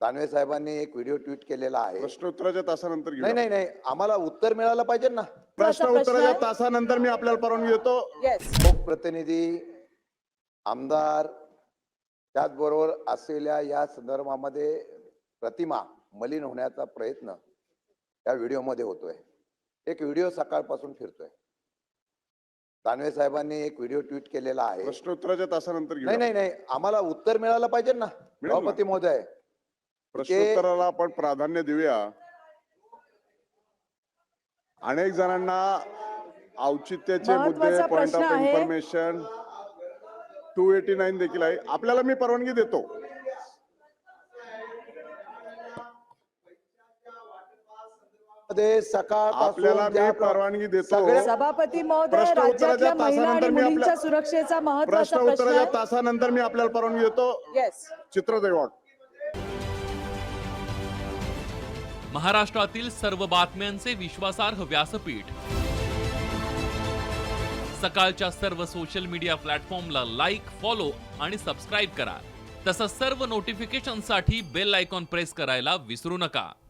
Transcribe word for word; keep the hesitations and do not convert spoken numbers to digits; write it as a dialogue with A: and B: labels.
A: दानवे साहेबांनी एक video tweet केलेला आहे.
B: प्रश्नोत्तराच्या तासानंतर घेऊ.
A: नाही नाही नाही आम्हाला उत्तर मिळालं पाहिजे ना.
B: प्रश्न उत्तराच्या तासानंतर मी आपल्याला परवानगी देतो.
A: लोकप्रतिनिधी आमदार त्याचबरोबर असलेल्या या संदर्भामध्ये प्रतिमा मलिन होण्याचा प्रयत्न या व्हिडिओमध्ये होतोय. एक व्हिडिओ सकाळपासून फिरतोय. दानवे साहेबांनी एक व्हिडिओ ट्विट केलेला आहे.
B: प्रश्नोत्तराच्या तासानंतर घेऊ.
A: नाही नाही नाही आम्हाला उत्तर मिळालं पाहिजे ना. सभापती महोदय
B: प्रश्नोत्तराला आपण प्राधान्य देऊया. अनेक जणांना औचित्याचे मुद्दे point of information two eighty nine देखील आहे. आपल्याला मी परवानगी देतो.
A: सकाळ
B: आपल्याला मी परवानगी देतो.
C: सभापती महोदय राज्यातल्या महिला आणि मुलींच्या सुरक्षेचा महत्त्वाचा
B: प्रश्न
C: प्रश्न
B: उत्तराच्या
C: आहे.
B: तासानंतर मी आपल्याला परवानगी देतो.
C: येस
B: चित्र देवाड.
D: महाराष्ट्रातील सर्व बातम्यांचे विश्वासार्ह व्यासपीठ सकाळच्या सर्व सोशल मीडिया प्लॅटफॉर्मला लाईक, फॉलो आणि सबस्क्राईब करा. तसंच सर्व नोटिफिकेशनसाठी बेल आयकॉन प्रेस करायला विसरू नका.